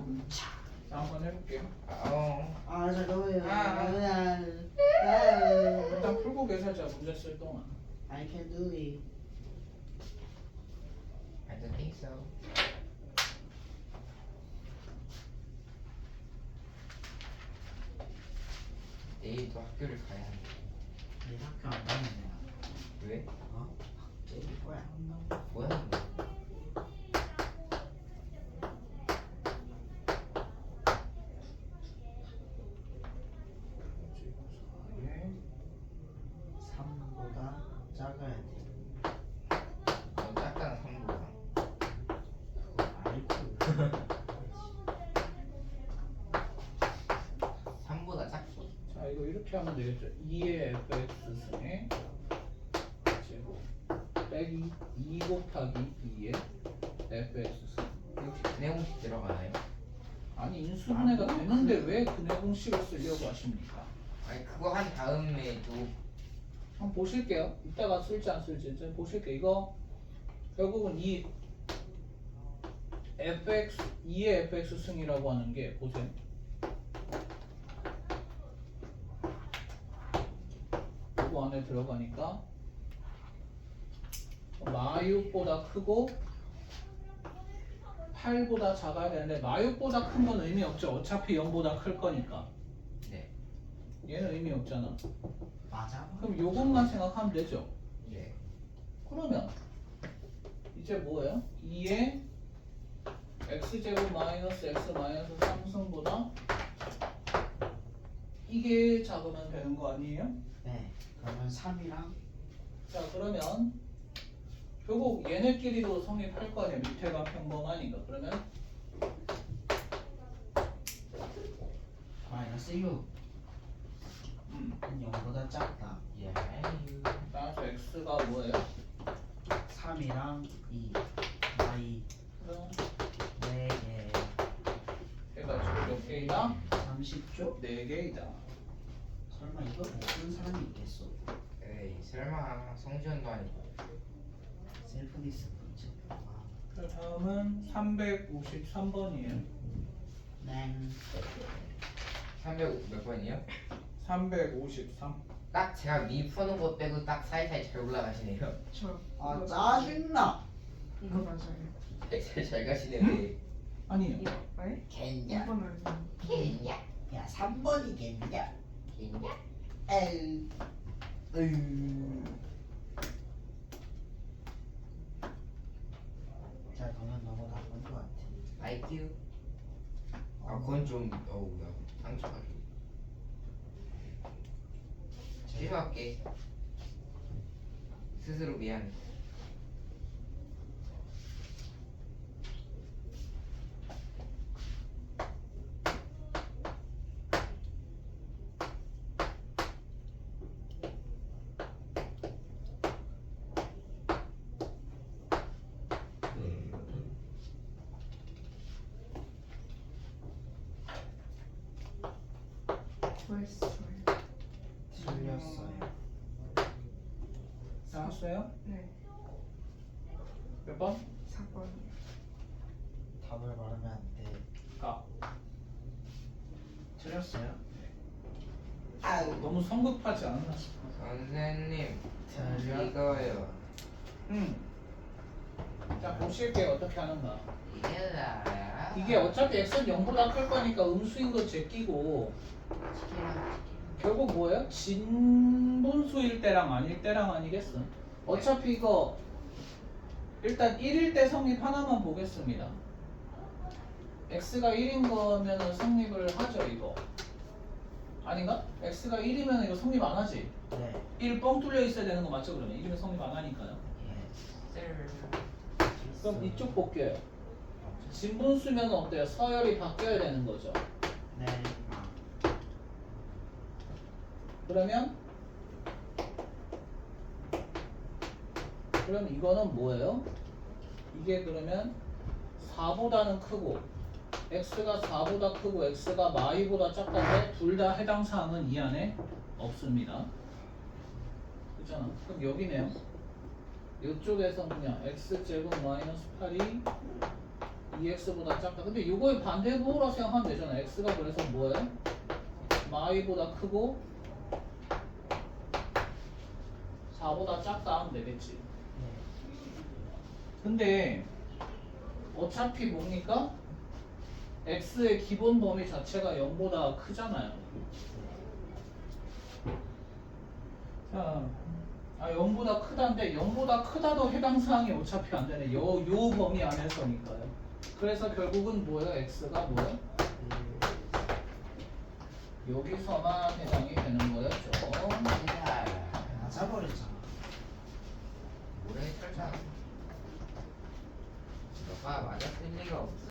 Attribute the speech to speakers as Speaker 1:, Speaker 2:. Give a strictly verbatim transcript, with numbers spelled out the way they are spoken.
Speaker 1: 차.
Speaker 2: 자, 한번 해볼게요.
Speaker 3: 어.
Speaker 1: 아 잠깐만요.
Speaker 3: 아, 아.
Speaker 1: 아,
Speaker 2: 일단 풀고 계산자 문제 쓸 동안.
Speaker 1: I can do it.
Speaker 3: I don't think so. 내일도 학교를 가야 해.
Speaker 1: 내일 학교 안 가면 내가.
Speaker 3: 왜?
Speaker 1: 어? 때릴 거야.
Speaker 3: 뭐야? 이거?
Speaker 2: 예.
Speaker 1: 삼보다 작아야 돼.
Speaker 3: 너무 작다는 삼보다.
Speaker 1: 알고.
Speaker 3: 삼보다 작기.
Speaker 2: 자, 이거 이렇게 하면 되겠죠. 이의 에프엑스 승의 제곱 빼기 이 곱하기 이의 에프엑스 승.
Speaker 3: 혹시 근해 공식 들어가나요?
Speaker 2: 아니 인수분해가 되는데 왜 근해 공식을 쓰려고 하십니까?
Speaker 3: 아니 그거 한 다음에도
Speaker 2: 한번 보실게요. 이따가 쓸지 안 쓸지 좀 보실게요. 이거 결국은 이 에프엑스 이의 에프엑스 승이라고 하는 게 보세요. 이거 안에 들어가니까 마육보다 크고 팔보다 작아야 되는데 마육보다 큰 건 의미 없죠. 어차피 영보다 클 거니까.
Speaker 3: 네.
Speaker 2: 얘는 의미 없잖아.
Speaker 1: 맞아.
Speaker 2: 그럼 요것만 생각하면 되죠.
Speaker 3: 네.
Speaker 2: 그러면 이제 뭐예요? 이의 x제곱 마이너스 x 마이너스 삼승보다 이게 작으면 되는 거 아니에요?
Speaker 1: 네. 그러면 삼이랑
Speaker 2: 자 그러면 결국 얘네끼리도 성립할 거 아니야. 밑에가 평범하니까. 그러면
Speaker 1: 마이너스 육.
Speaker 2: 음,
Speaker 1: 영보다 작다.
Speaker 3: 예.
Speaker 2: 따라서 x가 뭐예요?
Speaker 1: 삼이랑 이. 마이.
Speaker 2: 그럼
Speaker 1: 네 개.
Speaker 2: 얘가 지금 몇 개이다?
Speaker 1: 삼십 조?
Speaker 2: 네 개이다.
Speaker 1: 설마 이걸 모르는 사람이 있겠어?
Speaker 3: 에이 설마 성시현도 아니고.
Speaker 1: 셀프 디스플레이. 아,
Speaker 2: 그 다음은 삼백오십삼 번이에요.
Speaker 1: 네.
Speaker 3: 삼백 몇 번이요?
Speaker 2: 삼백오십삼.
Speaker 3: 딱 제가 미 푸는 것 빼고 딱 사이사이 잘 올라가시네요.
Speaker 4: 저
Speaker 1: 아
Speaker 4: 이거
Speaker 1: 짜증나.
Speaker 4: 이거 맞아요.
Speaker 3: 잘, 잘 가시네요.
Speaker 2: 아니요.
Speaker 4: 이거 왜?
Speaker 1: 겠냐?
Speaker 4: 이거는
Speaker 1: 겠냐? 야 삼 번이겠냐?
Speaker 3: 겠냐?
Speaker 1: 에이. 에이. 자 너는 너무 나쁜 것 같아.
Speaker 3: 아이큐. 아 그건 좀 어우야 상처가 좀. 취소할게. 스스로 미안.
Speaker 4: 조회수 좋아요.
Speaker 1: 틀렸어요.
Speaker 2: 나왔어요?
Speaker 4: 네,
Speaker 2: 몇 번?
Speaker 4: 사 번.
Speaker 1: 답을 말하면 안 돼.
Speaker 2: 가.
Speaker 1: 틀렸어요?
Speaker 2: 너무 성급하지 않나 싶어.
Speaker 3: 선생님
Speaker 1: 틀려.
Speaker 3: 이거요.
Speaker 2: 음. 자 보실게요. 어떻게 하는가.
Speaker 3: 이게 나야.
Speaker 2: 이게 어차피 x는 영보다 클 거니까 음수인 거 제끼고 결국 뭐예요? 진분수일 때랑 아닐 때랑 아니겠어? 어차피 이거 일단 일일 때 성립 하나만 보겠습니다. x가 일인 거면은 성립을 하죠 이거. 아닌가? x가 일이면 이거 성립 안 하지?
Speaker 1: 네.
Speaker 2: 일 뻥 뚫려 있어야 되는 거 맞죠 그러면? 일이면 성립 안 하니까요. 그럼 이쪽 볼게요. 진분수면 어때요? 서열이 바뀌어야 되는 거죠.
Speaker 1: 네. 아.
Speaker 2: 그러면 그럼 이거는 뭐예요? 이게 그러면 사보다는 크고 x가 사보다 크고 x가 마이보다 작다고 둘 다 해당 사항은 이 안에 없습니다. 그렇잖아. 그럼 여기네요. 이쪽에서 그냥 x제곱 마이너스 팔이 이 엑스보다 작다. 근데 이거의 반대부호라 생각하면 되잖아. x가 그래서 뭐예요? 마이보다 크고 사보다 작다 하면 되겠지.
Speaker 1: 네.
Speaker 2: 근데 어차피 뭡니까? x의 기본 범위 자체가 영보다 크잖아요. 자, 아 영보다 크다인데 영보다 크다도 해당 사항이 어차피 안 되네. 요, 요 범위 안에서니까요. 그래서 결국은 뭐예요? x가 뭐예요? 여기서만 해당이 되는 거였죠.
Speaker 1: 맞아버렸잖아.
Speaker 3: 뭐래 설마 너가 맞았을 리가 없어.